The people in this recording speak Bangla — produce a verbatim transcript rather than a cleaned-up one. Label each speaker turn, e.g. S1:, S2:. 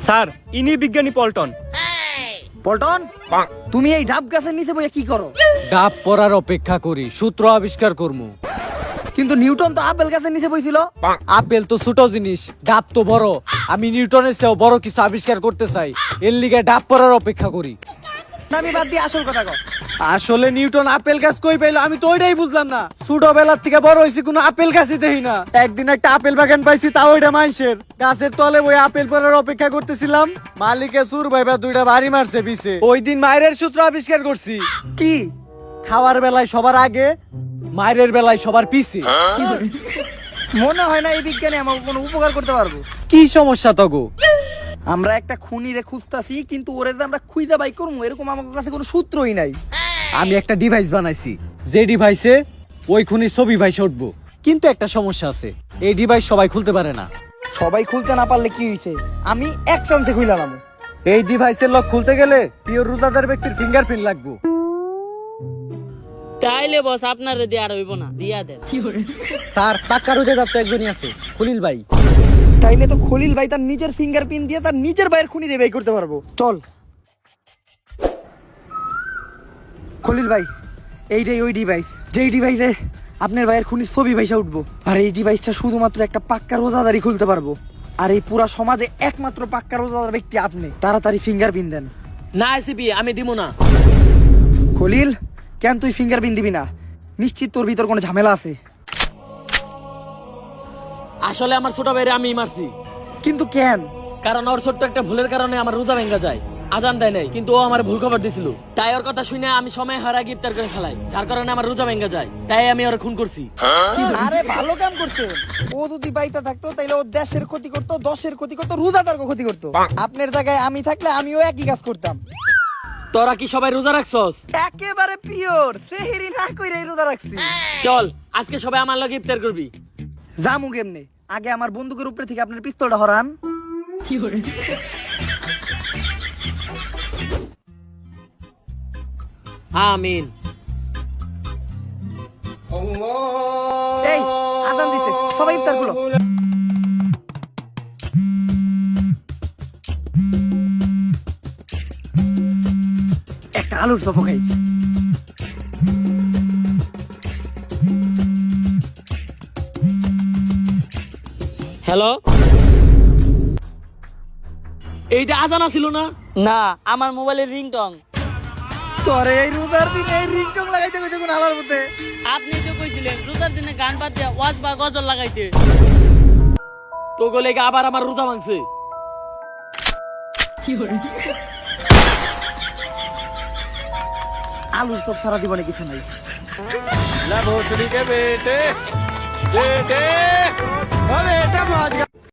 S1: স্যার ইনি বিজ্ঞানী পল্টন।
S2: পল্টন, তুমি এই ডাব গাছের নিচে বইয়া কি করো?
S3: ডাব পড়ার অপেক্ষা করি, সূত্র আবিষ্কার করমু।
S2: কিন্তু নিউটন তো আপেল গাছের নিচে বইছিল।
S3: আপেল তো ছোট জিনিস, ডাব তো বড়। আমি নিউটনের চেয়েও বড় কিছু আবিষ্কার করতে চাই, এর লিগে ডাব পড়ার অপেক্ষা করি।
S2: না, আমি বাদ দিয়ে আসল কথা কও।
S3: আসলে নিউটন আপেল গাছ কই পাইলো আমি তো ওইটাই বুঝলাম না। ছোটবেলার থেকে বড় হয়েছি কোনো আপেল গাছই দেখি না। একদিন একটা আপেল বাগান পাইছি, তাও ওইটা মাইসের গাছের তলে ওই আপেল পড়ার অপেক্ষা করতেছিলাম। মালিকে সুর ভাইবা দুইটা বাড়ি মারছে পিছে। ওই দিন মায়ের সূত্র আবিষ্কার করছি।
S2: কি?
S3: খাওয়ার বেলায় সবার আগে, মায়ের বেলায় সবার পিছে।
S2: মনে হয় না এই বিজ্ঞানে আমাকে কোনো উপকার করতে পারবো।
S3: কি সমস্যা তগো?
S2: আমরা একটা খুনিরে খুঁজতাছি, কিন্তু ওরে যে আমরা খুঁজা বাই করবো এরকম আমার কাছে কোনো সূত্রই নাই।
S3: আমি একটা ডিভাইস বানাইছি, যে ডিভাইসে ওই খুনির ছবি ভাইসে উঠবো। কিন্তু একটা সমস্যা আছে, এই ডিভাইস সবাই খুলতে পারে না।
S2: সবাই খুলতে না পারলে কি হইছে? আমি এক চান্সে খুইলাম।
S3: এই ডিভাইসের লক খুলতে গেলে পিওর রোজাদার ব্যক্তির ফিঙ্গারপ্রিন্ট লাগবে।
S4: তাইলে বস আপনারে দিয়ে আর হইব না, দিয়া দেন।
S3: স্যার পাক্কা রোজাদার তো একজনই আছে, খলিল ভাই।
S2: তাইলে তো খলিল ভাই তার নিজের ফিঙ্গারপ্রিন্ট দিয়ে তার নিজের ভাইয়ের খুনিরে বাই করতে পারবো। চল খলিল ভাই, এইটাই ওই ডিভাইস যেই ডিভাইসে আপনার ভাইয়ের খুনির ছবি ভাইসা উঠবো। আর এই ডিভাইসটা শুধুমাত্র একটা পাক্কা রোজাদারই খুলতে পারবো। আর এই পুরা সমাজে একমাত্র পাক্কা রোজাদার ব্যক্তি আপনি। তাড়াতাড়ি ফিঙ্গারপ্রিন্ট দেন।
S4: না এসিপি, আমি দিব না।
S2: খলিল, কেন তুই ফিঙ্গারপ্রিন্ট দিবি না? নিশ্চিত তোর ভিতর কোনো ঝামেলা আছে।
S4: আসলে আমার ছোট ভাইরে আমি মারছি,
S2: কিন্তু কেন?
S4: কারণ ওর ছোট্ট একটা ভুলের কারণে আমার রোজা ভেঙে যায়। আজান দেয় নাই, কিন্তু ও আমার ভুল খবর দিছিল। তাই ওর কথা শুনে আমি সময় হারা ইফতার করে ফেলাই, যার কারণে আমার রোজা ভেঙে যায়। তাই আমি ওর খুন করছি।
S2: আরে ভালো কাম করছে। ও যদি বাইতা থাকতো তাইলে ও দেশের ক্ষতি করতো, দশের ক্ষতি করতো, রোজাদারকে ক্ষতি করতো। আপনার জায়গায় আমি থাকলে আমিও একই কাজ করতাম।
S4: তোরা কি সবাই রোজা রাখছস?
S2: একেবারে পিওর সেহরি না কইরে রোজা রাখছি।
S4: চল আজকে সবাই আমার লগে ইফতার করবি।
S2: জামু কেমনে? আগে আমার বন্দুকের উপরে থেকে আপনার পিস্তলটা হরান।
S4: আমিন।
S2: এই আজান দিতে, সবাই ইফতার করো। একটা আলুর চপ খাই।
S4: হ্যালো, এইটা আজান ছিল না? না, আমার মোবাইলের রিংটং।
S2: তোরে এই রোজার দিনে এই রিংটং লাগাইতে কইতে কোন আলার মধ্যে?
S4: আপনি তো কইছিলেন রোজার দিনে গান বাদ দিয়ে ওয়াজ বা গজল লাগাইতে। তো গলে আবার আমার রোজা ভাঙছে।
S2: আলুর চপ সারা জীবনে কিছু নাই।
S3: La voce di che vete, vete, vabbè.